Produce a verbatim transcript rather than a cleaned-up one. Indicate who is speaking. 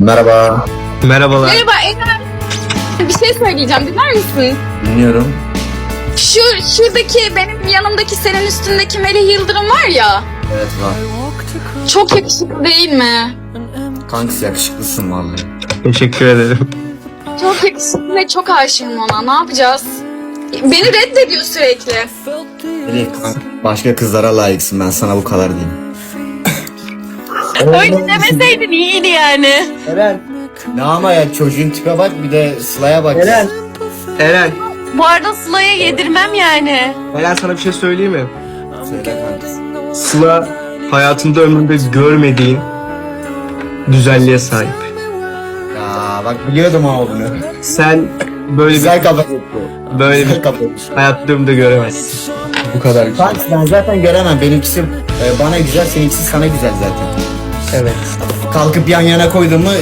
Speaker 1: Merhaba.
Speaker 2: Merhabalar.
Speaker 3: Merhaba Eren. Bir şey söyleyeceğim, dinler misin?
Speaker 1: Dinliyorum.
Speaker 3: Şu şuradaki benim yanımdaki senin üstündeki Melih Yıldırım var ya.
Speaker 1: Evet var.
Speaker 3: Çok yakışıklı değil mi?
Speaker 1: Kankası yakışıklısın vallahi.
Speaker 2: Teşekkür ederim.
Speaker 3: Çok yakışıklı ve çok aşığım ona. Ne yapacağız? Beni reddediyor sürekli.
Speaker 1: Melih kanka, başka kızlara layıksın, ben sana bu kadar diyeyim.
Speaker 4: Öyle demeseydin iyiydi yani.
Speaker 5: Eren,
Speaker 1: Ne ama ya, çocuğun tipe bak, bir de Sıla'ya bak.
Speaker 5: Eren.
Speaker 2: Eren,
Speaker 4: Bu arada Sıla'ya yedirmem yani.
Speaker 2: Eren sana bir şey söyleyeyim mi?
Speaker 1: Söyle kankası.
Speaker 2: Sıla hayatında ömründe görmediğin güzelliğe sahip.
Speaker 1: Ya bak, biliyordum ama bunu.
Speaker 2: Sen böyle bir
Speaker 1: Güzel kafa yapıyor.
Speaker 2: böyle
Speaker 1: Güzel
Speaker 2: bir
Speaker 1: kafa yapıyor.
Speaker 2: hayatında ömründe göremezsin. Bu kadar güzel.
Speaker 1: Kanka ben zaten göremem. Benimkisi e, bana güzel, seninkisi sana güzel zaten.
Speaker 2: Evet.
Speaker 1: Kalkıp yan yana koydun mu